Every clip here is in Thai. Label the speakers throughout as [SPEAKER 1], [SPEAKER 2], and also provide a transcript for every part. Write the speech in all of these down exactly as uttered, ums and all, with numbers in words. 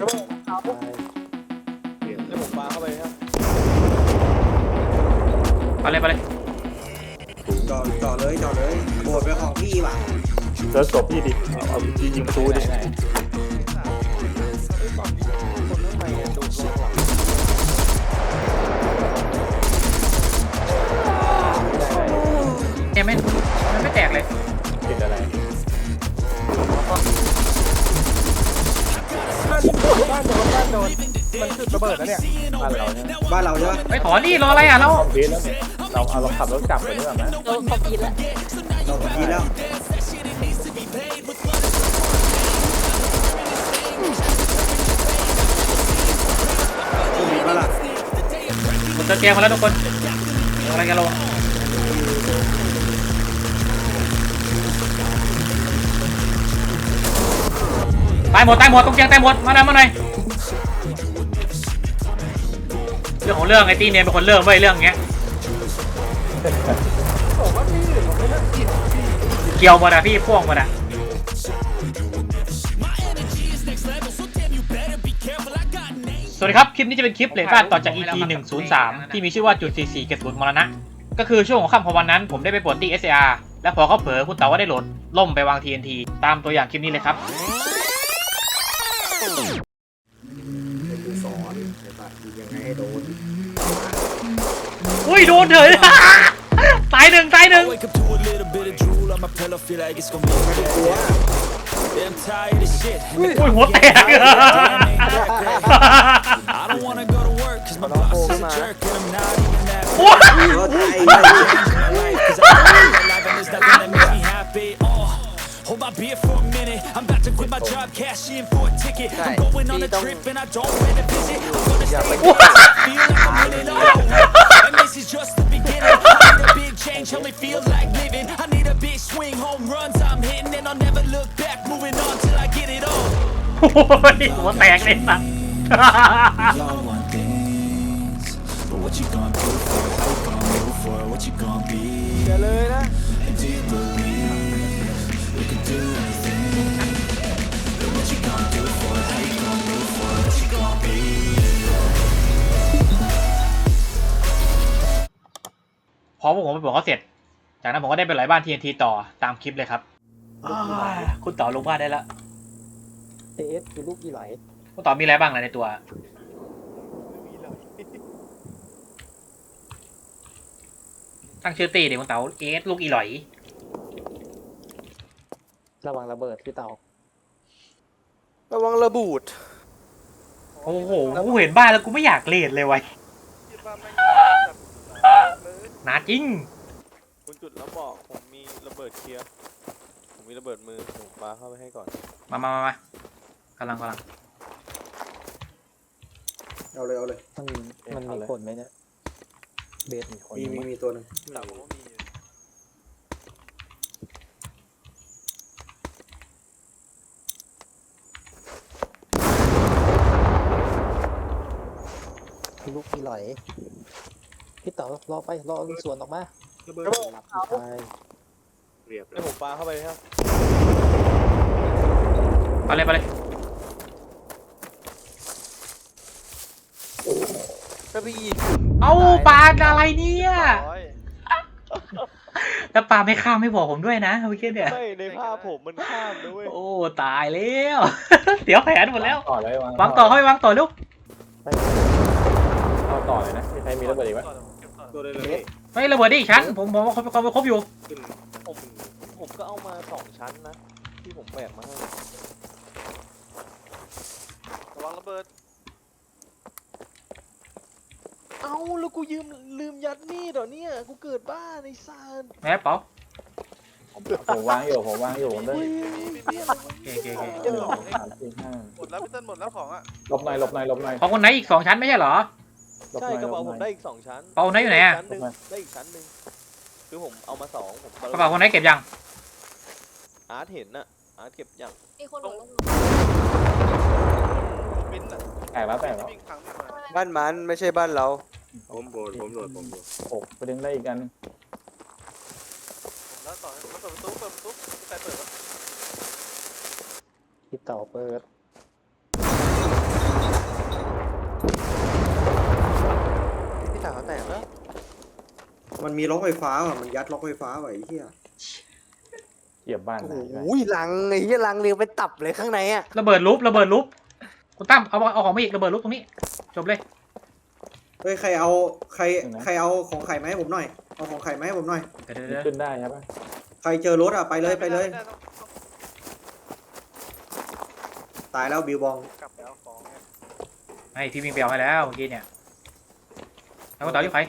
[SPEAKER 1] เอาเดี๋ยวผมปาเข้าไปครับ
[SPEAKER 2] ไปเลยไปเลย
[SPEAKER 3] จ่อจ่อเลยจ่อเลยโบดไปของพี่ว่ะ
[SPEAKER 4] เจอศพพี่ดิเอายิงยิงประตูดิ
[SPEAKER 2] เนี่ยไม่มันไม่แตกเลย
[SPEAKER 4] ติดอะไร
[SPEAKER 1] บ้านโดนบ้านโดนมันจุดระเบิดแล้วเนี่ย
[SPEAKER 4] บ้านเราเนี่ย
[SPEAKER 3] บ้านเราใช่ไหม
[SPEAKER 2] ไปถอนนี่รออะไรอ่ะเรา
[SPEAKER 4] คอมพิวต์แล้วเนี่ยเราเอาเราขับรถกลับไปด้วยไหม
[SPEAKER 5] โดนคอมพิวต์แล้ว
[SPEAKER 3] เราดีแล้วดีปะล่ะ
[SPEAKER 2] ผมจะเตรียมมาแล้วทุกคนอะไรกันลงตายหมดตายหมดตรงเตียงตายหมดมาหน่อยมาหน่อยเรื่องของเรื่องไอ้ตีเนี่ยเป็นคนเริ่มไว้เรื่องเงี้ยเกี่ยวหมดอะพี่พ่วงหมดอะสวัสดีครับคลิปนี้จะเป็นคลิปเลทฟาดต่อจาก อี พี หนึ่งศูนย์สามที่มีชื่อว่าจุดสี่สี่เก็บศูนย์มรณะก็คือช่วงของค่ำของวันนั้นผมได้ไปปลดที่ เอส เอ อาร์ และพอเขาเผลอคุณเต๋าก็ได้โหลดล่มไปวาง ที เอ็น ที ตามตัวอย่างคลิปนี้เลยครับ
[SPEAKER 3] สอนยังไงให้โดน
[SPEAKER 2] อุ้ยโดนเถอะตายหนึ่งตายหนึ่งอุ้ยหัวแตกโอ้ย
[SPEAKER 6] Hold my beer for a minute. I'm about to quit my job, cash in for a ticket. I'm going on a trip and I don't plan to visit. I'm gonna stay here, feel like I'm in it all. And this is just the beginning. I need a big change, help me feel like living. I need a big swing, home runs I'm hitting, and I'll never look back. Moving on till I get it all.
[SPEAKER 2] หัวแตกเลยสัส
[SPEAKER 6] Y'all want things, but what you gonna do for it? How you gonna move for it? What you gonna be?
[SPEAKER 1] เดี๋ยวเลยนะ
[SPEAKER 6] And do you believe?You can do anything. But what you gonna do for it? How you gonna move for it? What you gonna be?
[SPEAKER 2] พอพวกผมไปบอกเขาเสร็จจากนั้นผมก็ได้ไปไหลบ้าน ที เอ็น ที ต่อตามคลิปเลยครับคุณต่อลงบ้านได้แล้ว
[SPEAKER 1] เอสคือลูกกี่ไหล
[SPEAKER 2] คุณต่อมีอะไรบ้างในตัวตั้งชื่อตีเดี๋ยวคุณเต๋าเอสลูกอีหลอย
[SPEAKER 1] ระวังระเบิดพี่เตาระวังระบูด
[SPEAKER 2] โอ้โหกูเห็นบ้านแล้วกูไม่อยากเล่นเลยไว้หนาจริง
[SPEAKER 1] คุณจุดแล้วบอกผมมีระเบิดเคลียร์ผมมีระเบิดมือผมปาเข้าไปให้ก่อน
[SPEAKER 2] มามามามากำลังกำลัง
[SPEAKER 3] เอาเลยเอาเลย
[SPEAKER 1] มันมันมีคนไหมเนี่ยเบสมีคน
[SPEAKER 3] มีมีมีตัวหนึ่ง
[SPEAKER 1] แต่ผมก็มีลูกที่ไหลพี่เต๋อรอไปรอส่วนออกมาระเบิดใช่เรียบแล้วผมปาเข้าไปครับ
[SPEAKER 2] ไปเลยไปเลย
[SPEAKER 1] กระบี่
[SPEAKER 2] เอาปลาอะไรเนี่ยแล้วปลาไม่ข้ามไม่บอกผมด้วยนะเมื่อกี้เนี่ย
[SPEAKER 1] ไม่ในภาพผมมันข้ามด้วย
[SPEAKER 2] โอ้ตายแล้วเดี๋ยวแผนหมดแล้ว
[SPEAKER 4] ต่อเลยว
[SPEAKER 2] างต่อเข้าไปวางต่อลูก
[SPEAKER 4] เอาต่อเลยนะมีใครมีระเบิดอีกไหม
[SPEAKER 3] ตัวเลยเลย
[SPEAKER 2] ไม่ระเบิดดิชั้นผมผมเขาเขาครบอยู่
[SPEAKER 1] ผมผมก็เอามาสองชั้นนะที่ผมแบกมาให้ระวังระเบิดเอาแล้วกูยืมลืมยัดมีดเหรอเนี่ยกูเกิดบ้าในซาน
[SPEAKER 2] แม่เป๋า
[SPEAKER 4] ผมวางอยู่ผมวางอยู่ผมได้
[SPEAKER 2] เก๋เก๋เก๋
[SPEAKER 1] หมดแล้วพี่ต้นหมดแล้วของอ่ะ
[SPEAKER 4] หลบหน่อยหลบหน่อยหลบหน่อย
[SPEAKER 2] ของคนไหนอีกสองชั้นไม่ใช่เหรอ
[SPEAKER 1] ใช่กระเป๋าผมได้อีกสองชั้น
[SPEAKER 2] เป๋าไหนอยู่ไหนอ่ะ
[SPEAKER 1] ได้อีกชั้นหนึ่งคือผมเอามาสองผม
[SPEAKER 2] กระเป๋าคนไหนเก็บยัง
[SPEAKER 1] อาร์ตเห็นน่ะอาร์ตเก็บยัง
[SPEAKER 5] มีคนหลง
[SPEAKER 4] แตกแล้วแตกแล้ว
[SPEAKER 1] บ้านมันไม่ใช่บ้านเรา
[SPEAKER 3] ผมโบดผมโหลดผมโหลด
[SPEAKER 4] โอ้ไปดึงได้อีกกัน
[SPEAKER 1] แล้วต่อเปิดประตูเปิดประตูใครเปิดวะ
[SPEAKER 4] พี่เต่าเปิด
[SPEAKER 3] มันมีล็อกไฟฟ้าอ่ะมันยัดล็อกไฟฟ้าไว้ไอ้เหี้ย
[SPEAKER 4] เหยียบบ้าน
[SPEAKER 1] โอ้
[SPEAKER 4] ไหน
[SPEAKER 1] โห
[SPEAKER 4] ไว้
[SPEAKER 1] ลังไอ้เหี้ยลังเรียงเป็นตับเลยข้างในอ่ะ
[SPEAKER 2] ระเบิดลุประเบิดลุคุณตั้มเอาเอาของมาอีกระเบิดลุตรงนี้จบเลย
[SPEAKER 3] เฮ้ยใครเอาใครใครเอาของไข่มาให้ผมหน่อยเอาของไข่มาให้ผมหน่อย
[SPEAKER 2] เดี๋ยวเดี๋ยว
[SPEAKER 4] ขึ้นได้ใช่ปะ
[SPEAKER 3] ใครเจอรถอ่ะไปเลยไปเลย ตายแล้วบิวบอง
[SPEAKER 2] ไอพี่วิ่งไปเอาให้แล้วเมื่อกี้เนี่ยแล้วก็ต่อที่ใคร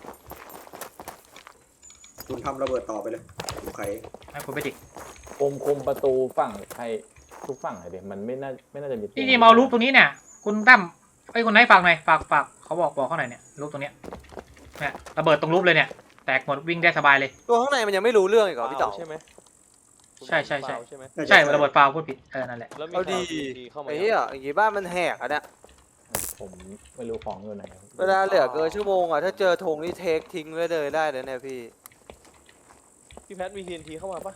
[SPEAKER 3] คุณทำระเบิดต่อไปเลยผมไข่
[SPEAKER 2] ให้คุณไปจิก
[SPEAKER 4] คุมคุมประตูฝั่งใครทุกฝั่งเลยดิมันไม่น่าไม่น่าจะมี
[SPEAKER 2] นี่นี่มาเอารูปตรงนี้เนี่ยคุณตั้มไอ้ยคนไหนฝากหน่อยฝากฝากเขาบอกบอกเขาหน่อยเนี่ยรูปตรงเนี้ยเนี่ยระเบิดตรงรูปเลยเนี่ยแตกหมดวิ่งได้สบายเลย
[SPEAKER 1] ตัวข้างในมันยังไม่รู้เรื่องอีกเหรอพี่เต๋อ
[SPEAKER 5] ใช่ไหม
[SPEAKER 2] ใช่ใช่ใช่
[SPEAKER 5] ใช่ไหม
[SPEAKER 2] ใช่ระเบิดฟาวพูดผิดเออนั่นแหละ
[SPEAKER 5] แล้วมี
[SPEAKER 1] เอาดี
[SPEAKER 5] ข่าว TNT เข้ามา
[SPEAKER 1] ไอ้เหี้ยอย่างงี้บ้านมันแหกอ่ะเนี่ย
[SPEAKER 4] ผมไม่รู้ของอยู่ไหน
[SPEAKER 1] เวลาเหลือเกินชั่วโมงอ่ะถ้าเจอธงนี่เทคทิ้งไว้เลยได้เลยเนี่ยพี่
[SPEAKER 5] พี่แพทมี ที เอ็น ที เข้ามาปะ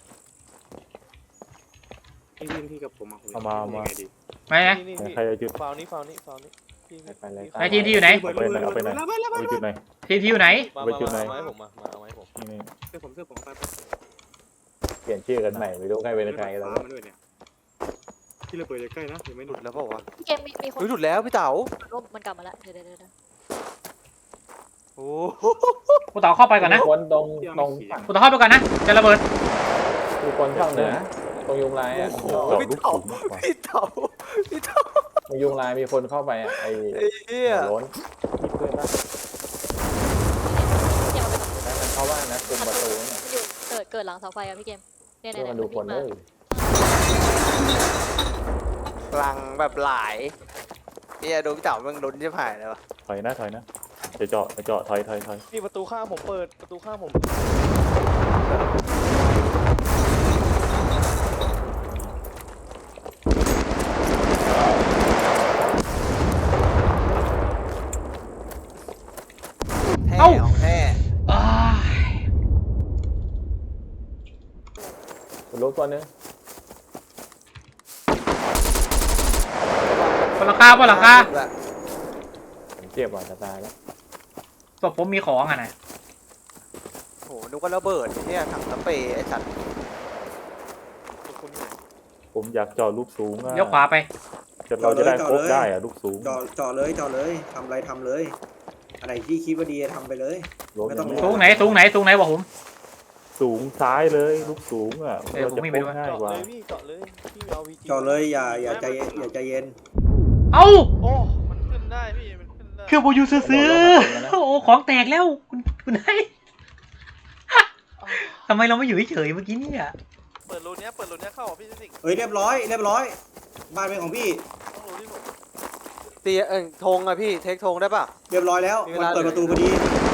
[SPEAKER 3] ไอ้ทีมที่กับผมอ่ะ
[SPEAKER 4] เอามาเอามา
[SPEAKER 2] ไม่นะ
[SPEAKER 5] นี่นี่พี่
[SPEAKER 4] ใครจะจุด
[SPEAKER 5] ฟาวนี้ฟาวนี้ฟาวนี้พี่
[SPEAKER 4] ไปเลย
[SPEAKER 2] ไอ้ทีมที่อยู่ไหน
[SPEAKER 4] เอาไปไหนเอาไปไหนเอาไปจุดไหน
[SPEAKER 2] ทีมที่อยู่ไหน
[SPEAKER 5] มา
[SPEAKER 4] ไป
[SPEAKER 5] มา
[SPEAKER 4] จุดไหน
[SPEAKER 5] มาเอาไว้ผมมามาเอาไว้ผม
[SPEAKER 4] นี่
[SPEAKER 3] เสื้อผมเสื้อผมไป
[SPEAKER 4] เปลี่ยนชื่อกันใหม่ไม่รู้ใครเป็นใครแล้ว
[SPEAKER 3] มาด้วยเนี่ยที่ระเบิดใกล้นะยังไม่
[SPEAKER 1] ห
[SPEAKER 3] หลุ
[SPEAKER 1] ลุ
[SPEAKER 3] ด
[SPEAKER 1] ดแล้วเปล่าวะ
[SPEAKER 7] พี่เกมมีมีคน
[SPEAKER 1] เฮ้ยหลุดแล้วพี่เต๋า
[SPEAKER 7] ร่มมันกลับมาแล้วเดี๋ยวเดี๋ยวเดี๋ยว
[SPEAKER 1] โอ้โห
[SPEAKER 2] กูต่อเข้าไปก่อนนะ
[SPEAKER 4] คนตรงตรงฝั่ง
[SPEAKER 2] กูต่อเข้าไปก่อนนะจะระเบิด
[SPEAKER 4] คือคนฝั่งเหนือตรงยุงลายอ่ะ
[SPEAKER 1] พี่เต๋าพี่เต๋าพี่เต๋า
[SPEAKER 4] ตรงยุงลายมีคนเข้าไปอ่ะไอ้
[SPEAKER 1] ไอ้เหี้ย
[SPEAKER 4] หัวโล้นที่เพื่อนบ้าน
[SPEAKER 7] พี่เกมเอาไปก่อน
[SPEAKER 4] นั้นมันเข้าบ้านนะคุมประตูเนี่ย
[SPEAKER 7] มันอยู่เกิดเกิดหลังเสาไฟอะพี่เกมเนี่ย
[SPEAKER 4] เพื่
[SPEAKER 7] เนี่
[SPEAKER 4] อย
[SPEAKER 7] เนี่
[SPEAKER 4] มาย ดูคน
[SPEAKER 7] วิ่ง
[SPEAKER 4] เอ
[SPEAKER 7] มา
[SPEAKER 4] อ
[SPEAKER 1] ลังแบบหลายเหี้ยดูพี่เต๋ามันลุ้นจะผ่านเลยวะ
[SPEAKER 8] ถอยนะถอยนะจะเจาะจะเจาะถอยถอยถอย
[SPEAKER 5] นี่ประตูข้างผมเปิดประตูข้างผม
[SPEAKER 1] แท้ของแท้
[SPEAKER 2] อ้าย
[SPEAKER 4] คุณรู้ตัวนึง
[SPEAKER 2] บนหลังคาบนหลังคา
[SPEAKER 4] ผมเจ็บว่ะจะตายแล้ว
[SPEAKER 2] ศพผมมีของอ่ะนะ
[SPEAKER 1] โหนึกว่าระเบิดเนี่ยถังสเปรย์ไอ้สัตว์
[SPEAKER 5] คุณอยู่ไหน
[SPEAKER 8] ผมอยากเจาะลูกสูงอะ
[SPEAKER 2] เลี้ยวขวาไป
[SPEAKER 8] จะเราจะได้ครบได้อะลูกสูง
[SPEAKER 3] เจาะเจาะเลยเจาะเลยทำอะไรทำเลย อะไรที่คิดว่าดีทำไปเลย
[SPEAKER 8] รถ
[SPEAKER 3] ไม่ต้อง
[SPEAKER 8] ย่า
[SPEAKER 2] สูงไหนสูงไหนสูงไหนบอกผม
[SPEAKER 8] สูงซ้ายเลยลูกสูงอ่ะ
[SPEAKER 2] เออผมไม่
[SPEAKER 8] จะ
[SPEAKER 2] ไป
[SPEAKER 8] ค
[SPEAKER 2] ด้วย
[SPEAKER 8] บง่าย
[SPEAKER 5] เจาะ
[SPEAKER 8] กว่า
[SPEAKER 5] เลยพี่เจาะเลยพี่เอาวีจี
[SPEAKER 3] เจาะเลยอย่าอย่าใจอย่าใจเย็น
[SPEAKER 2] เอ้า
[SPEAKER 5] โอ้มันขึ้นได้พี่มันขึ้นได้
[SPEAKER 2] คือบูยูซื้อๆโอ้โหของแตกแล้วคุณคุณไอ้ทำไมเราไม่อยู่เฉยๆเมื่อกี้เนี่ย
[SPEAKER 5] เปิดรูเนี้ยเปิดรูเนี้ยเข้าอ่ะพี่สิง
[SPEAKER 3] เฮ้ยเรียบร้อยเรียบร้อย บ้านเป็นของพี่
[SPEAKER 5] ต้องรู้ที่ผม
[SPEAKER 1] ตีเอ้ยธงอะพี่เทคธงได้ป่ะ
[SPEAKER 3] เรียบร้อยแล้ว
[SPEAKER 1] มีเว
[SPEAKER 3] มัน
[SPEAKER 1] ลา
[SPEAKER 3] เปิดประตูพอดี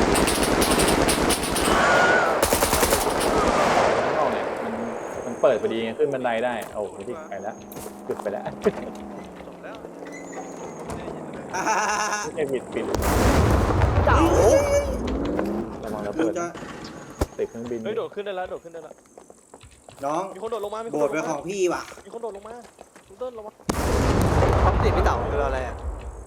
[SPEAKER 4] ข้างนอกเนี่ยมันมันเปิดพอดีไงขึ้นบันไดได้โอ้โหที่ไปแล้วจุดไปแล้ว
[SPEAKER 5] จบแล้วไม่ได้ยินเลย
[SPEAKER 4] ไม่ใช่ปิดปิด
[SPEAKER 1] เต๋า
[SPEAKER 4] ระวังระ
[SPEAKER 3] คื
[SPEAKER 4] เบิ
[SPEAKER 3] อ
[SPEAKER 4] ด
[SPEAKER 3] จะ
[SPEAKER 4] ติดเครื่องบิน
[SPEAKER 5] เฮ้ยโดดขึ้นได้แล้วโดดขึ้นได้แล้ว
[SPEAKER 3] น้อง
[SPEAKER 5] มีคนโดดลงมามีคน
[SPEAKER 3] โบ
[SPEAKER 5] โด
[SPEAKER 3] ส
[SPEAKER 5] ด
[SPEAKER 3] ถ์
[SPEAKER 5] ล
[SPEAKER 3] เป็น
[SPEAKER 5] ง
[SPEAKER 3] ข
[SPEAKER 5] มา
[SPEAKER 3] องพี่ว่ะ
[SPEAKER 5] มีคนโดดลงมาคุณเติ้ลลงมา
[SPEAKER 1] เขาติดพี่เต๋าคืออะไรอะ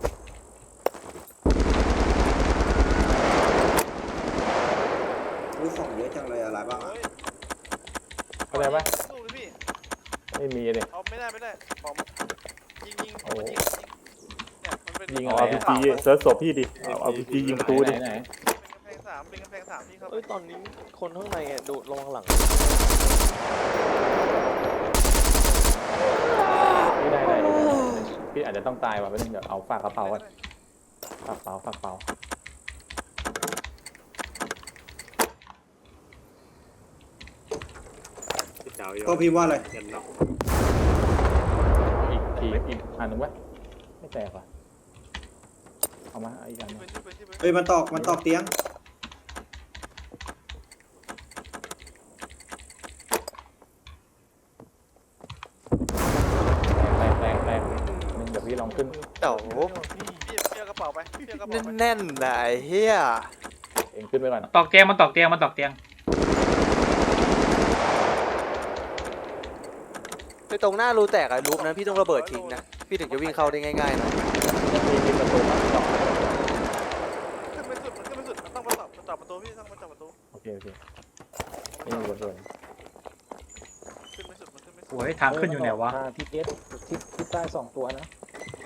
[SPEAKER 3] รู้ของเยอะจังเลยอะไรบ้างอะ
[SPEAKER 5] เฮ้ย
[SPEAKER 4] เข้าใจปะ
[SPEAKER 5] สู้ดิพี่
[SPEAKER 4] ไม่มีเลย
[SPEAKER 5] เอาไม่ได้ไม่ได้ปอมยิงยิงมันยิงเนี่ยมันเป็น
[SPEAKER 4] ยิง
[SPEAKER 8] เอา
[SPEAKER 4] อะไร
[SPEAKER 8] อาร์พี
[SPEAKER 4] อะ
[SPEAKER 8] จีเซิร์ชศพพี่ดิเอาอาร์พีจียิงประตูดิ
[SPEAKER 4] ไหนไหน
[SPEAKER 5] เป็นกำแพงสามเป็นกำแพงสามพี่ครับเอ้ยตอนนี้คนข้างในอ่ะดูระวังหลัง
[SPEAKER 4] พี่ได้ได้พี่อาจจะต้องตายว่ะไม่ต้องเดี๋ยวเอาฝากกระเป๋าก่อนฝากเป๋าฝากเป๋า
[SPEAKER 3] ก็พิมพ์ว่าอะไร
[SPEAKER 4] อีกทีอีกอันหนึ่งวะไม่แตกว่ะเอามาเอาอีกอันหนึ่ง
[SPEAKER 5] เป็นที่เป็นที่เป็น
[SPEAKER 3] เฮ้ยมันตอกมันตอกเตียง
[SPEAKER 4] แรงแรงแรงนึงเดี๋ยวพี่ลองขึ้น
[SPEAKER 1] เต๋า
[SPEAKER 5] พี่พี่พี่เอากระเป๋าไปพี่เอากระเป๋าไป
[SPEAKER 1] แน่นๆนะไอ้เหี้ย
[SPEAKER 4] เองขึ้นไปก่อน
[SPEAKER 2] ตอกเตียงมันตอกเตียงมันตอกเตียง
[SPEAKER 1] ไปตรงหน้ารูแตกอะรูปนั้นพี่ต้องระเบิดทิ้งนะพี่ถึงจะวิ่งเข้าได้ง่ายๆหนะ
[SPEAKER 4] มีมีประตูมาต่อ
[SPEAKER 5] ขึ้นไม่สุดมันขึ้นไม่สุดมันต้องมาตอบมาตอบประตูพี่ต้องมาตอบประตู
[SPEAKER 4] โอเคนี่บนส่วน
[SPEAKER 5] ขึ้นไม่สุดมันขึ้นไม่สุด
[SPEAKER 2] โอ้ยทางขึ้นอยู่ไหนวะ
[SPEAKER 1] ทางทิศเอสทิศทิศใต้สองตัวนะ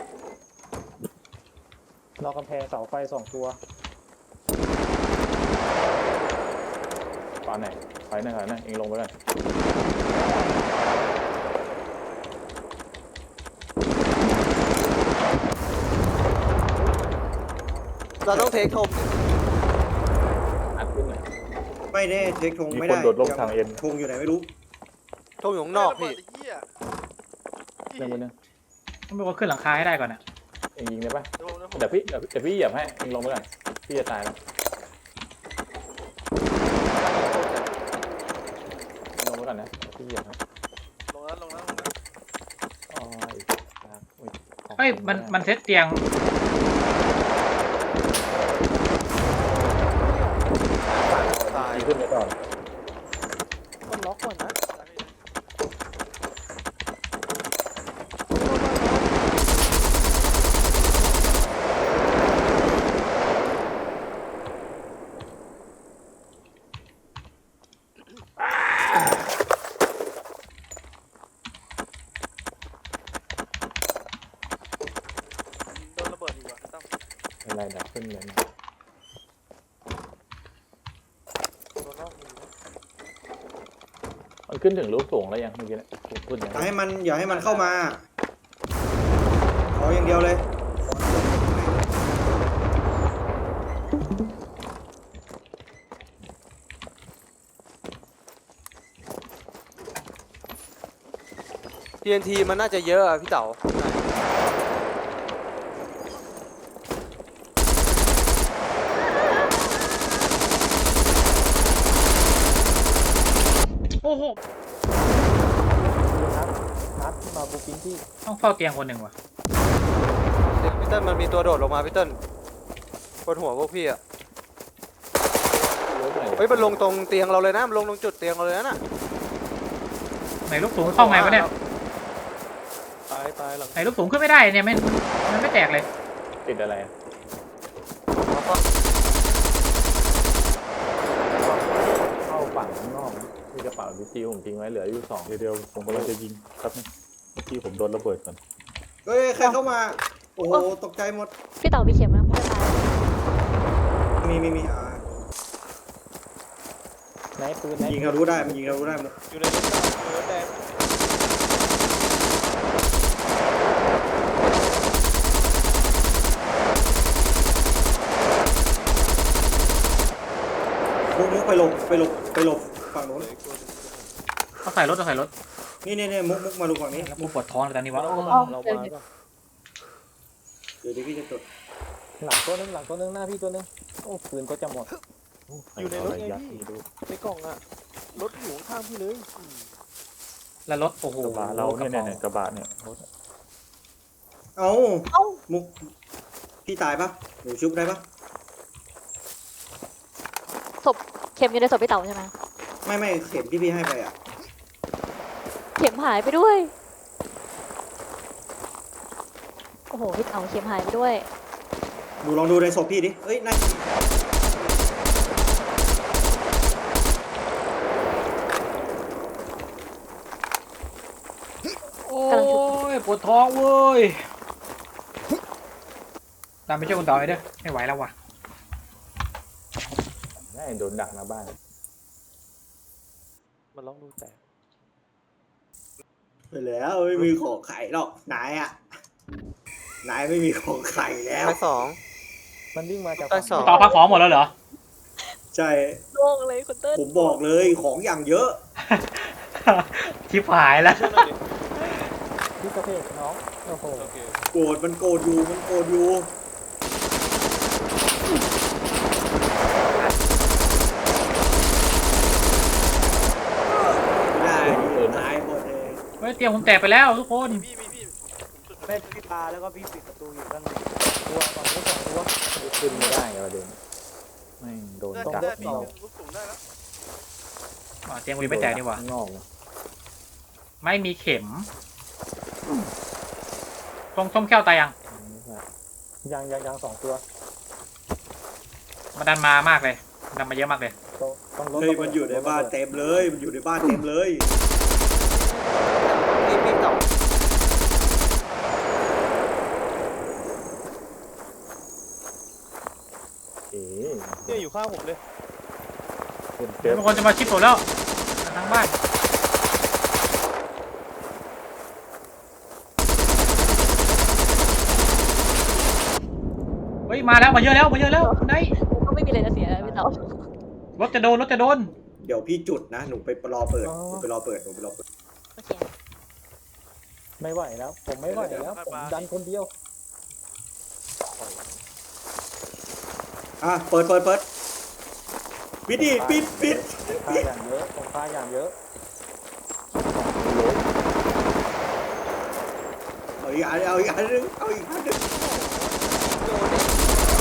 [SPEAKER 1] รอกำแพงเสาไฟสองตัว
[SPEAKER 4] ปาไหนไปไหนก่อนนะเองลงไปก่อน
[SPEAKER 1] เราต้องเทคทม
[SPEAKER 4] อัดขึ้นหน่อย
[SPEAKER 3] ไม่แน่เช็คธง
[SPEAKER 8] มี
[SPEAKER 3] ไม่
[SPEAKER 8] คน
[SPEAKER 3] ได้
[SPEAKER 8] โดดลงทางเอ็น
[SPEAKER 3] ธงอยู่ไหนไม่รู้
[SPEAKER 1] ทงอยู่ข้างนอกพี่
[SPEAKER 5] เหี้ย
[SPEAKER 4] เรื่องบนนึง
[SPEAKER 2] ต้องมีคนขึ้นหลังคาให้ได้ก่อนอะ
[SPEAKER 4] เองยิงได้ปะ
[SPEAKER 5] เดี๋ยวผม
[SPEAKER 4] เดี๋ยวพี่เดี๋ยวเดี๋ยวพี่เหยียบให้เองลงไปก่อนพี่จะตายแล้วลงไปก่อนนะพี่เหยียบให้
[SPEAKER 5] ลงแล้วลงแล้วลงแล้ว
[SPEAKER 4] อ๋ออีกครับอุ๊ยของ
[SPEAKER 2] เฮ้ยมันมันเซตเตียง
[SPEAKER 1] ตาย
[SPEAKER 4] พี่ขึ้นไปก่อน
[SPEAKER 1] มันล็อกก่อนนะ
[SPEAKER 5] โดนระเบิดอีกว่ะตั้ม
[SPEAKER 4] อะไรดับขึ้นเลยนะ
[SPEAKER 5] โดนนอกมือนะ
[SPEAKER 4] มันขึ้นถึงลูกสูงแล้วยังเมื่อกี้เนี่ยขึ้น
[SPEAKER 3] อ
[SPEAKER 4] ยัง
[SPEAKER 3] ย่าให้มันอย่าให้มันเข้ามาขออย่างเดียวเลย
[SPEAKER 1] ที เอ็น ที มันน่าจะเยอะอะพี่เต๋า
[SPEAKER 2] โอ้โห
[SPEAKER 1] นัดที่มาบุกินที่
[SPEAKER 2] ต้องเฝ้าเตียงคนหนึ่งว่ะ
[SPEAKER 1] เดี๋ยวพี่เติ้ลมันมีตัวโดดลงมาพี่เติ้ลบนหัวพวกพี่อะเฮ้ยมันลงตรงเตียงเราเลยนะมันลงตรงจุดเตียงเราเลยนะน่ะ
[SPEAKER 2] ไหนลูกสูงเข้าไงวะเนี่ย
[SPEAKER 1] ตายตายหลัง
[SPEAKER 2] ไหนลูกสูงขึ้นไม่ได้เนี่ยมันมันไม่แตกเลย
[SPEAKER 4] ติดอะไรอะเข้าฝั่งข้างนอกนะมีกระเป๋าดิจิผมทิ้งไว้เหลืออยู่สอง
[SPEAKER 8] เดี๋ยวเดี๋ยวผมกำลังจะยิงครับเมื่อกี้ผมโดนระเบิดก่อน
[SPEAKER 3] เฮ้ยใครเข้ามา โอ้โหตกใจหมด
[SPEAKER 7] พี่เต๋ามีเข็มไหมไม่ตาย
[SPEAKER 3] มีมีมีอ่า
[SPEAKER 1] ไหนปืนไหน
[SPEAKER 3] ยิงเรารู้ได้มันยิงเรารู้ได้หมด
[SPEAKER 1] อยู่ในรถดำอยู่ในรถแดง
[SPEAKER 3] มุกมุกไปหลบไปหลบไปหลบฝั่งโน้น
[SPEAKER 2] ต้องใส่รถต้องใส่รถ
[SPEAKER 3] นี่นี่นี่มุกมุกมาดูฝั่งนี้
[SPEAKER 2] แล้วกูปวดท้องเลยตอนนี้วะ
[SPEAKER 1] เรา
[SPEAKER 2] โอ้
[SPEAKER 1] มาเรามาก็
[SPEAKER 3] เดี๋ยวเดี๋ยวพี่จะจด
[SPEAKER 1] หลังตัวนึงหลังตัวนึงหน้าพี่ตัวนึงโอ้ปืนก็จะหมด อยู่ในรถไงพี่ ในกล่องอะรถอยู่ข้างพี่เลย
[SPEAKER 2] แล้วรถโอ้โห
[SPEAKER 8] กระบะเราเนี่ยเนี่ยเนี่ยกระบะเนี่ยรถ
[SPEAKER 3] เอ้ามุกพี่ตายปะหนูชุบได้ปะ
[SPEAKER 7] ศพเข็มอยู่ในศพพี่เต๋าใช่ไหม
[SPEAKER 3] ไม่ไม่เข็มที่พี่ให้ไปอ่ะ
[SPEAKER 7] เข็มหายไปด้วย โอ้โหพี่เต๋าเข็มหายไปด้วย
[SPEAKER 3] ดูลองดูในศพพี่ดิเอ้ยน่า
[SPEAKER 2] โอ้ยปวดท้องเว้ยตามไปช่วยคุณต่อไปเด้อไม่ไหวแล้วว่ะ
[SPEAKER 4] ได้โดนดักหน้าบ้าน
[SPEAKER 1] มันร้องดูแต่
[SPEAKER 3] ไปแล้วไม่มีของไข่หรอกนายอ่ะนายไม่มีของไข่แล้ว
[SPEAKER 1] ตายสองมันวิ่งมาจากตายสอง
[SPEAKER 2] ต่อพักของหมดแล้วเหรอ
[SPEAKER 3] ใช่
[SPEAKER 7] โล่งเลยคุณเติ้ล
[SPEAKER 3] ผมบอกเลยของอย่างเยอะ
[SPEAKER 2] ชิบหายแล้ว
[SPEAKER 1] พี่กระเพกน้องโอ้โห
[SPEAKER 3] โกรธมันโกรธอยู่มันโกรธอยู่ไม่ได้ดิตายหมดเลย
[SPEAKER 2] เฮ้ยเตียงผมแตกไปแล้วทุกคน
[SPEAKER 5] พี่พี่พี่ผมจุด
[SPEAKER 1] แม่พี่ปาแล้วก็พี่ปิดประตูอยู่ด้านในตัวฝั่งนู้นสองตัว
[SPEAKER 4] ขึ้นไม่ได้ไงประเด็นไม่งโดน
[SPEAKER 5] ได้
[SPEAKER 4] ดัก
[SPEAKER 5] ได้พี่
[SPEAKER 4] นอก
[SPEAKER 5] ลูกสูงได้แล้ว
[SPEAKER 2] อ๋อเตียงกูยังไม่แตกนี่หว่า
[SPEAKER 4] ข้างนอกนะ
[SPEAKER 2] ไม่มีเข็มตรงส้มแก้วตายยัง
[SPEAKER 4] ไม่ใช่
[SPEAKER 1] ยังยังยังสองตัว
[SPEAKER 2] มาดันมามากเลยดันมาเยอะมากเลย
[SPEAKER 1] ตรง
[SPEAKER 8] ต้องลด
[SPEAKER 3] เฮ้ยมันอยู่ในบ้านเต็มเลยมันอยู่ในบ้านเต็มเลย
[SPEAKER 5] พี่พี่เต่า
[SPEAKER 8] เอ๋
[SPEAKER 1] เนี่ยอยู่ข้างผมเลย
[SPEAKER 8] เป็นเซ
[SPEAKER 2] เดี๋ยว
[SPEAKER 8] ฟ
[SPEAKER 2] บางคนจะมาชิปผมแล้วทางบ้านเฮ้ยมาแล้วมาเยอะแล้วมาเยอะแล้วไหน
[SPEAKER 7] ก็ไม่มีอะไรจะเสียแล้วพี่เต๋าร
[SPEAKER 2] ถจะโดนรถจะโดน
[SPEAKER 3] เดี๋ยวพี่จุดนะหนูไปรอเปิดหนูไปรอเปิดหนูไปรอเปิด
[SPEAKER 7] โอเค
[SPEAKER 8] ไม่ไหวแล้ว ผมไม่ไหวแล้วผมดันคนเดียว
[SPEAKER 3] อ่ะเปิดเปิดเปิดปิดดิปิดปิด
[SPEAKER 8] ค่าอย่างเยอะผมค่าอย่างเยอะ
[SPEAKER 3] เอาอีกอันเอาอีกอันนึงเอาอีกอันนึง
[SPEAKER 5] โดนเนี่ย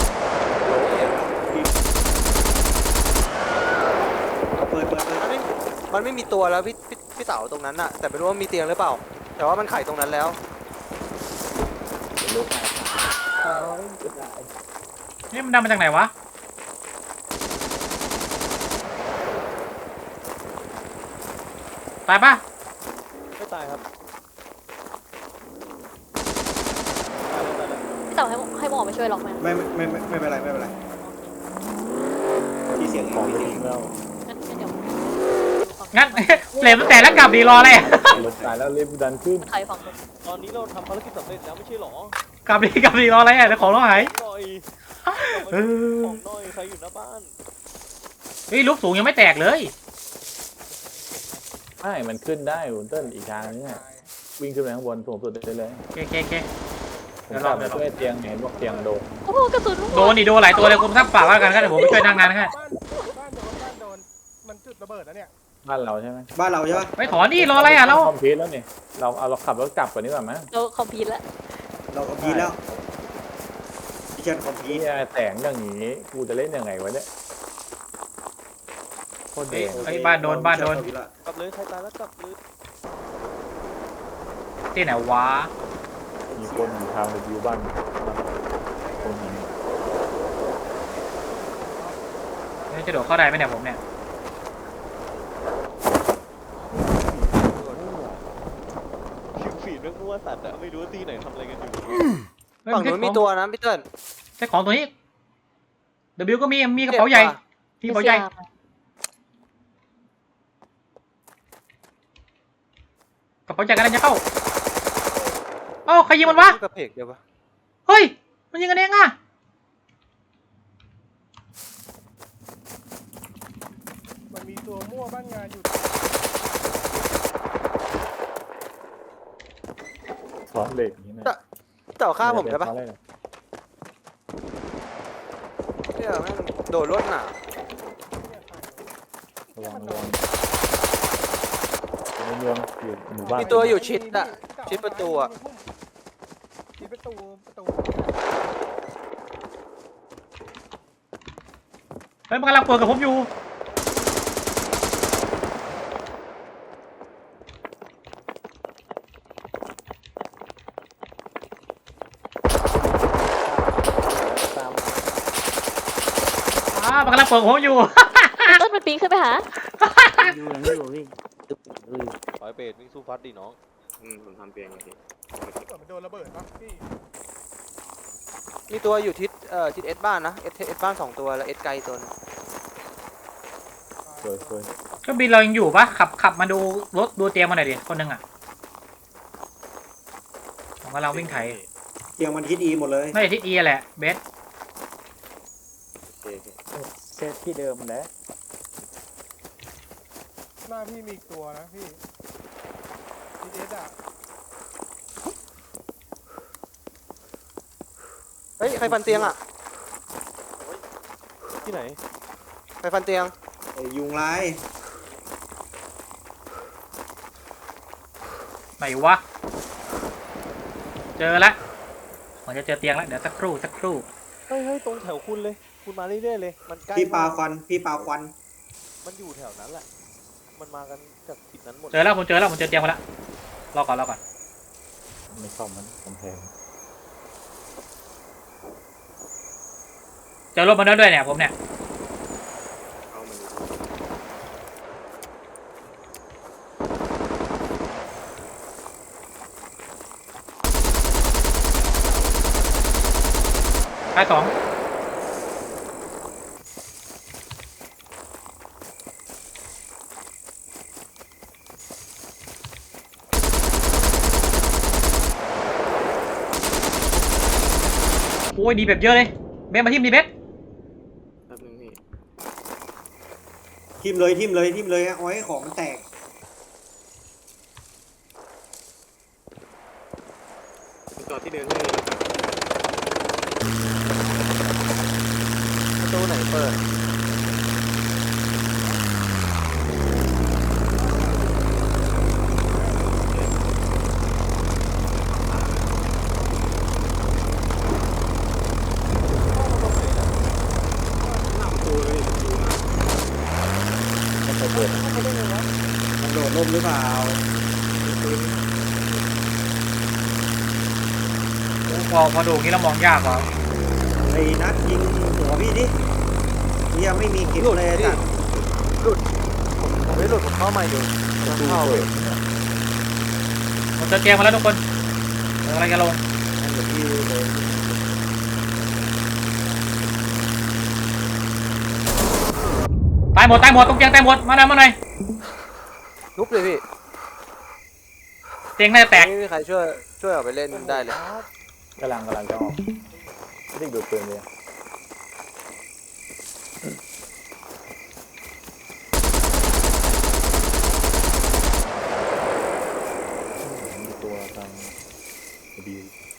[SPEAKER 3] เอาเปิดเปิดเปิด
[SPEAKER 5] มันไม่มันไม่มีตัวแล้วพี่พี่พี่เต่าตรงนั้นอะแต่ไม่รู้ว่ามีเตียงหรือเปล่า แต่ว่ามันไขตรงนั้นแล้ว
[SPEAKER 8] ลุกเอาจะได้
[SPEAKER 2] นี่มันดังมาจากไหนวะตายปะ
[SPEAKER 1] ไม่ตายครับ
[SPEAKER 7] พี่เต๋าให้ให้หมอมาช่วยหรอกไหม
[SPEAKER 3] ไม่ไม่ไม่ไม่ไม่เป็นไรไม่เป็นไรที่เสียงเอ
[SPEAKER 8] ของ
[SPEAKER 3] งที่
[SPEAKER 8] ไม่
[SPEAKER 3] เสียง
[SPEAKER 8] ทิ้งแล้ว
[SPEAKER 7] งั้นงั้นเดี๋ยว
[SPEAKER 2] งั้น เหลวมันแตกแล้วกลับดีรออะไร
[SPEAKER 8] รถตายแล้วรีบดันขึ้น
[SPEAKER 7] ใครฝั่งนู้น
[SPEAKER 1] ตอนนี้เราทำภารกิจสำเร็จแล้วไม่ใช่หรอก
[SPEAKER 2] ลับดีกลับดีรออะไรอ่ะเดี๋ยวของเราหาย
[SPEAKER 1] หน่อย
[SPEAKER 2] เออ
[SPEAKER 1] ของหน่อยใครอยู่หน้าบ้าน
[SPEAKER 2] เฮ้ยลูกสูงยังไม่แตกเลย
[SPEAKER 8] ใช่มันขึ้นได้คุณเติ้ลอีกทางนึงอะวิ่งขึ้นไปข้างบนสูงสุดได้เลย
[SPEAKER 2] โอเคโอเคโอเค
[SPEAKER 8] ผมกลับมาช่วยเตียงเห็นบอกเตียงโดน
[SPEAKER 7] โอ้โหกระสุนลูก
[SPEAKER 2] โดนดิโดนหลายตัวเลยคุณทักฝากว่ากันครับเดี๋ยวผมไปช่วยนั่งงานให้
[SPEAKER 9] บ้านบ้านโดนบ้านโดนมันจุดระเบิดแล้วเนี่ย
[SPEAKER 8] บ้านเราใช่ไหม
[SPEAKER 3] บ้านเราใช่ปะ
[SPEAKER 2] ไปถอนดิรออะไรอ่ะเรา
[SPEAKER 8] คอมพิวแล้วนี่เราเอาเราขับรถกลับก่อนดีกว่ามั้ย
[SPEAKER 7] เราคอมพิวต์แล้ว
[SPEAKER 3] เราคอมพีทแล้วดิฉันคอมพี
[SPEAKER 8] นี่
[SPEAKER 3] ท
[SPEAKER 8] แสงอย่างนี้กูจะเล่นยังไงวะเนี่ยโคตร
[SPEAKER 2] เฮ้
[SPEAKER 8] เด็
[SPEAKER 2] ย
[SPEAKER 8] ก
[SPEAKER 2] เฮ้ยบ้านโดนบ้านโดน
[SPEAKER 1] กลับเลยใครตายแล้วกลับเลย
[SPEAKER 2] ที่ไหนวะ
[SPEAKER 8] มีคนอยู่ทางรีวิวบ้านคนนี้
[SPEAKER 2] นี่จะโดดเข้าได้ไหมเนี่ยผมเนี่ย
[SPEAKER 1] คิวฟีดเรื่องมั่วสัตว์อะไม่รู้ว่าตีไหนทำอะไรกันอยู่
[SPEAKER 5] ฝั่งนู้นมีตัวนะพี่เติ้ล
[SPEAKER 2] ใช่ของตัวนี้ W ก็มีมีกระเป๋าใหญ่มีกระเป๋าใหญ่กระเป๋าใหญ่กันจะเข้าเอ้าใครยิงมันวะ
[SPEAKER 5] กระเพกเดียวปะ
[SPEAKER 2] เฮ้ยมันยิงกันเองอ่ะ
[SPEAKER 9] มันมีตัวมั่วบ้านงานอยู่
[SPEAKER 8] ซ้อนเหล็กอย่างนี้นะ
[SPEAKER 5] เต่าฆ่าผมได้ปะ
[SPEAKER 8] ซ้อนเหล็ก
[SPEAKER 5] เนี่ยแม่งโดนรถหนา
[SPEAKER 8] ระวังระวังในเมืองอยู่หมู่บ้าน
[SPEAKER 5] มีตัวอยู่ชิดอะชิดประตูอะ
[SPEAKER 9] ชิดประตูประตู
[SPEAKER 2] เฮ้ยมันกำลังเปิดกับผมอยู่
[SPEAKER 8] ตาม
[SPEAKER 2] อ่ามันกำลังเปิดกับผมอยู่
[SPEAKER 7] ต้นมันปีนขึ้นไปหา
[SPEAKER 1] ปล่อยเปรตวิ่งสู้ฟัดดิน้อง
[SPEAKER 3] อืมผมทำเตียงอย่างนี้
[SPEAKER 9] เกิดมันโดนระเบิดปะพี่
[SPEAKER 5] มีตัวอยู่ทิศเอ่อทิศเอสบ้านนะเอสเอสบ้านสองตัวแล้วเอสไกลตัวนึง
[SPEAKER 8] สวยสวย
[SPEAKER 2] ก็บินเรายังอยู่ปะขับขับมาดูรถดูเตียงมาหน่อยดิคนหนึงอ่ะผมกำลังวิ่งไถ
[SPEAKER 3] เตียงมันฮิตอีหมดเลย
[SPEAKER 2] น่าจะทิศเอแหละเบส
[SPEAKER 8] เซตที่เดิมแหละ
[SPEAKER 9] หน้าพี่มีอีกตัวนะพี่ทีเอสอะ
[SPEAKER 5] เฮ้ยใครฟันเตียงอะ
[SPEAKER 1] ที่ไหน
[SPEAKER 5] ใครฟันเตียง
[SPEAKER 3] ไอ้ยุงลาย
[SPEAKER 2] ไหนวะเจอละผมจะเจอเตียงแล้วเดี๋ยวสักครู่สักครู่
[SPEAKER 1] เฮ้ยเฮ้ยตรงแถวคุณเลย คุณมาเรื่อยๆเลย มันใกล้
[SPEAKER 3] พี่ปลาม
[SPEAKER 1] าก
[SPEAKER 3] ควันพี่ปลาควัน
[SPEAKER 1] มันอยู่แถวนั้นแหละ มันมากันจากทิศนั้นหมด
[SPEAKER 2] เจอแล้วผมเจอแล้วผมเจอเตียงมาแล้วรอก่อนรอก่อน
[SPEAKER 8] ไม่ซ่อมมันกำแพง
[SPEAKER 2] เจอรถมาแล้วด้วยเนี่ยผมเนี่ย
[SPEAKER 3] เอามัน
[SPEAKER 2] ตายสองโอ้ยดีแบบเยอะเลยเบสมาทิมดีเบส
[SPEAKER 1] แป๊บนึงพี่
[SPEAKER 3] ทิมเลยทิมเลยทิมเลยเอาไว้ของมันแตก
[SPEAKER 1] จอดที่เดินที่เดิน
[SPEAKER 5] ประตูไหนเปิด
[SPEAKER 3] มันโดดล่มหรือเปล่า
[SPEAKER 2] พอพอดูอย่างนี้เรามองยากว่ะ
[SPEAKER 3] ไอ้นัดยิงหัวพี่ดิยังไม่มีกินเลยจ้ะ
[SPEAKER 5] ผมไม่หลุดผมเข้ามาอยู่กำลังเข้าอยู่
[SPEAKER 2] ผมจะเตรียมมาแล้วทุกคนเรากำลังจะลง
[SPEAKER 3] นั่นเดี๋ยวพี่เลย
[SPEAKER 2] ตายหมดตายหมดตรงเตียงตายหมดมาหน่อยมาหน่อย
[SPEAKER 5] ทุบเลยพี่
[SPEAKER 2] เตียงน่าจะแตก
[SPEAKER 5] ไม่มีใครช่วยช่วยออกไปเล่นได้เลย
[SPEAKER 8] กำลังกำลังจะออกไม่ได้ดูดปืนเลย มีตัวทางดี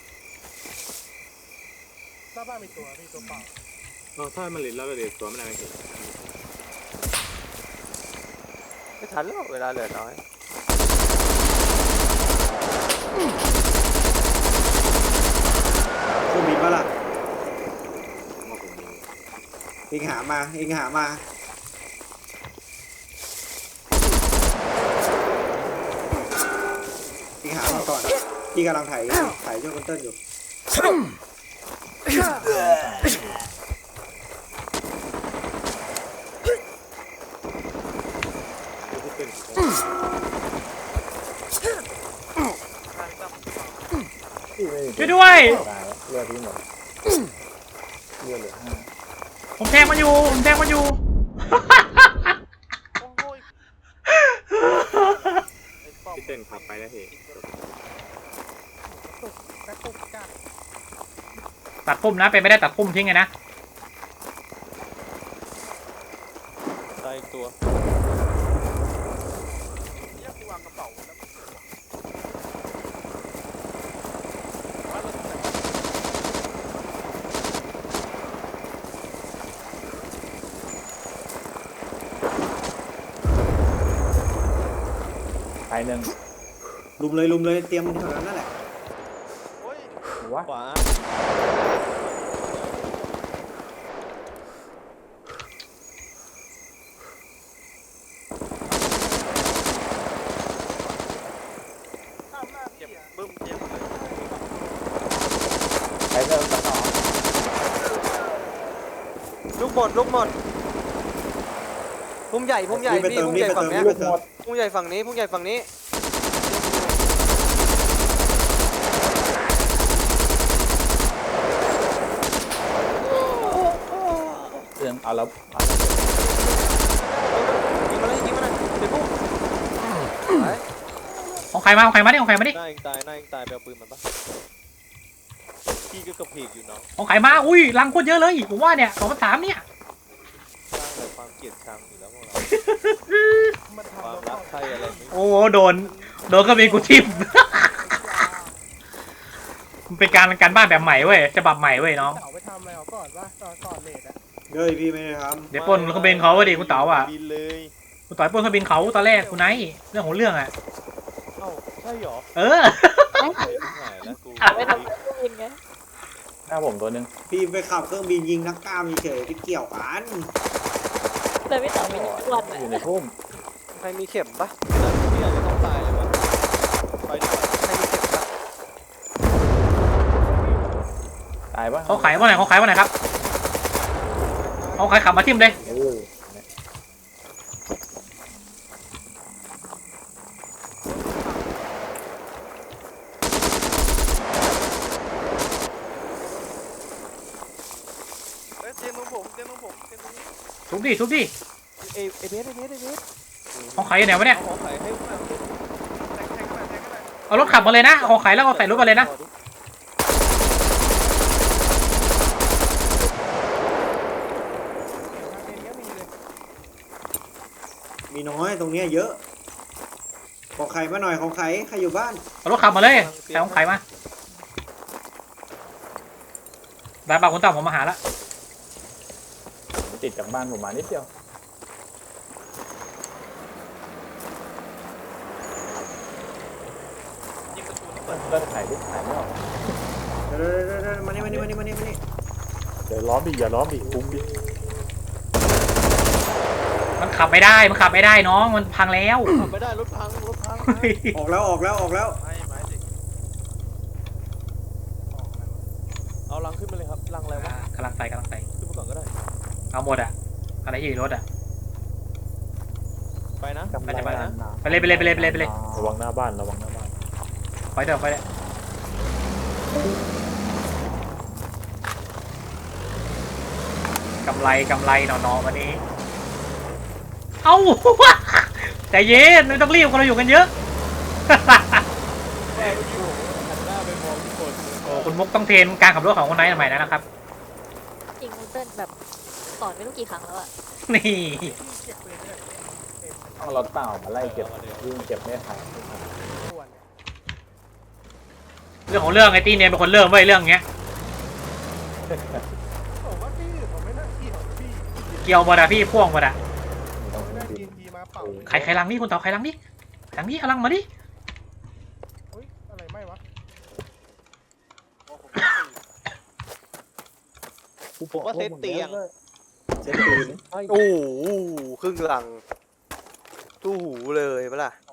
[SPEAKER 9] หน้าบ้านมีตัวมีตัวเปล่า
[SPEAKER 1] เราถ้ามันหลินแล้วเราเดี๋ยวตัวไม่ได้ไม่ถึง
[SPEAKER 5] ไม่ทันแล้วเวลาเหลือน้อย
[SPEAKER 3] เครื่องบินปะล่ะ
[SPEAKER 1] ว่าผมมี
[SPEAKER 3] เองหามาเองหามาเองหามาก่อนพี่กำลังถ่ายถ่ายช่วยคนเติ้ลอยู่
[SPEAKER 1] ที่เป็น
[SPEAKER 8] ที่ไม่มี
[SPEAKER 2] ช่วยด้วย
[SPEAKER 8] ตายแล้วเลือดที่หมดเลือดเหลือห้า
[SPEAKER 2] ผมแทงมันอยู่ผมแทงมันอยู่
[SPEAKER 1] ที่เต้นขับไปแล้วเหตุ
[SPEAKER 9] แป๊บปุ๊บจ้า
[SPEAKER 2] ตัดปุ่มนะเป็นไม่ได้ตัดปุ่มทิ้งไงนะ
[SPEAKER 1] ตายตัว
[SPEAKER 8] ตายหนึ่ง
[SPEAKER 3] ลุมเลยลุมเลยเตรียมแถวนั้นนั่นแหละ
[SPEAKER 8] วะ
[SPEAKER 1] ขวา
[SPEAKER 8] ตายเริ่มต่อ
[SPEAKER 5] ลูกหมดลูกหมดพุ่มใหญ่พุ่มใหญ่
[SPEAKER 3] รีบไป
[SPEAKER 5] พี่
[SPEAKER 3] เติม
[SPEAKER 5] พุ่ม
[SPEAKER 3] รี
[SPEAKER 5] ให
[SPEAKER 3] บ
[SPEAKER 5] ญ่
[SPEAKER 3] ไป
[SPEAKER 5] ฝั่
[SPEAKER 3] เติ
[SPEAKER 5] ง
[SPEAKER 3] ม
[SPEAKER 5] เนี้ย
[SPEAKER 3] รีบไปเติม
[SPEAKER 5] พุ่มใหญ่ฝั่งนี้พุ่มใหญ่ฝั่งนี้
[SPEAKER 8] เรื่องเอาแล้วเอา
[SPEAKER 5] ยิงมาเลยยิงมาเลยเดี๋ยวพุ่มไป
[SPEAKER 2] ของใครมาของใครมาดิของใครมาดิ
[SPEAKER 1] หน้าเองตายหน้าเองตายไปเอาปืนมันปะพี่ก็กระเพกอยู่เนาะ
[SPEAKER 2] ของใครมาอุ้ยรังโคตรเยอะเลยผมว่าเนี่ยสองพันสามเนี่ย
[SPEAKER 1] สร้างแต่ความเกลียดชังอยู่แล้วพวกเรา
[SPEAKER 9] มัน
[SPEAKER 1] ควา
[SPEAKER 9] ทำ
[SPEAKER 1] ม
[SPEAKER 9] แล้ว
[SPEAKER 1] รักใครอะไรไม่
[SPEAKER 2] โอ้โหโดนโดนก็เป็นกูทิม มันเป็นการการบ้านแบบใหม่เว้ยฉบับใหม่เว้ยน้อง
[SPEAKER 9] เต่าไปทำอะไรเอาก่อนวะตอนก่อนเลดอะ
[SPEAKER 3] เฮ้ยพี่ไม่ได้ท
[SPEAKER 2] เดี๋ยวปล้นเครื่องบินเขาอะดิคุณเต๋าอ่ะ
[SPEAKER 1] บินเลย
[SPEAKER 2] คุณต่อยปล้นเครื่องบินเขาตอนแรกคุณไนท์เรื่องของเรื่องอ่ะ
[SPEAKER 1] เอ้าใช่หรอ
[SPEAKER 2] เออ
[SPEAKER 1] หายแล้วกู
[SPEAKER 7] ไม่ทำอะไรก็ยิงไง
[SPEAKER 8] หน้าผมตัวหนึ่ง
[SPEAKER 3] ำพี่ไปขับเครื่องบินยิงนักกล้ามเฉยๆไปเกี่ยวกัน
[SPEAKER 7] แต่ไม่ต่อไปยิงทุกวัน
[SPEAKER 8] อยู่
[SPEAKER 7] อะ
[SPEAKER 8] ในพุ่ม
[SPEAKER 5] ใครมีเข็มปะ
[SPEAKER 1] พี่อาจจะต้องตายเลยวะไปดีกว่า
[SPEAKER 5] ใครมีเข็มปะ
[SPEAKER 8] ตายปะ
[SPEAKER 2] เขาขายว่าไหนเขาขายว่าไหนครับเขาขายขับมาทิมเลย
[SPEAKER 8] โอ้ย
[SPEAKER 2] บดิทุบดิ
[SPEAKER 1] เอเอเบสเอเบสเอเบส
[SPEAKER 2] ของขายอยู่ไหนวะเนี่ย
[SPEAKER 1] เอาของขายให้
[SPEAKER 2] เอารถขับมาเลยนะเอาของขายแล้วเอาใส่รถมาเลยนะ
[SPEAKER 3] มีน้อยตรงเนี้ยเยอะ ของไข่มาหน่อยของไข่ใครอยู่บ้าน
[SPEAKER 2] เอารถขับมาเลยใส่ของขายมาได้ปากคนต่ำผมมาหาละ
[SPEAKER 8] ติดจากบ้านผมมานิดเดียวเลิกถ่ายดิถ่ายไม่ออก
[SPEAKER 3] เดี๋ยวเดี๋ยวเดี๋ยวมานี่มานี่มานี่มานี่มานี่
[SPEAKER 8] เดี๋ยวล้อมดิอย่าล้อมดิคุ้มดิ
[SPEAKER 2] มันขับไม่ได้มันขับไม่ได้น้องมันพังแล้ว
[SPEAKER 1] ขับไม่ได้รถพังรถพัง
[SPEAKER 3] ออกแล้วออกแล้วออกแล้ว
[SPEAKER 1] ไม่ไม่สิเอาลังขึ้นมาเลยครับลังอะไรวะ
[SPEAKER 2] กำลังใส่กำลังใส่
[SPEAKER 1] ขึ้นมาก่อนก็ได้
[SPEAKER 2] เอาหมดอะอะไรที่อยู่ในรถอะ
[SPEAKER 1] ไปนะ
[SPEAKER 2] ไปจะไป
[SPEAKER 1] นะ
[SPEAKER 2] ไปเลยไปเลยไปเลยไปเลยไปเลย
[SPEAKER 8] ระวังหน้าบ้านระวังหน้าบ้าน
[SPEAKER 2] ไปเถอะไปเลยกำไรกำไรหนอๆวันนี้เอ้า ใจเย็นไม่ต้องรีบคนเราอยู่กันเยอะ
[SPEAKER 1] แม่ก็อยู่หันหน้าไปมองทุกคน
[SPEAKER 2] โอ้คุณมุกต้องเทรนการขับรถของคนไหนใหม่นะครับ
[SPEAKER 7] จริงเต้นแบบสอนไม่รู้กี่ครั้งแล้วอะ
[SPEAKER 2] นี่
[SPEAKER 8] ต้องรถเปล่ามาไล่เก็บยิ่งเก็บไม่ทัน
[SPEAKER 2] เรื่องของเรื่องไอ้ตีเนี่ยเป็นคนเริ่มไว้ยเรื่องเงี้ย
[SPEAKER 9] ผมว่าพี่ผมไม่น่าเกี่ยวพี่
[SPEAKER 2] เกี่ยวบดอะพี่พ่วงบดอะ
[SPEAKER 8] ต้อง
[SPEAKER 9] ไม่น่า
[SPEAKER 8] ดิ
[SPEAKER 9] ทีนทีมาเป่า
[SPEAKER 2] ใครใครลังนี่คุณเต่าใครลังนี่ลังนี่เอาลังมาดิ
[SPEAKER 9] เฮ้ยอะไรไม่วะ
[SPEAKER 1] ผมว่าเซตเตียง
[SPEAKER 3] เซ็ตปืน
[SPEAKER 5] โอ้โหครึ่งหลังตู้หูเลยปะล่ะ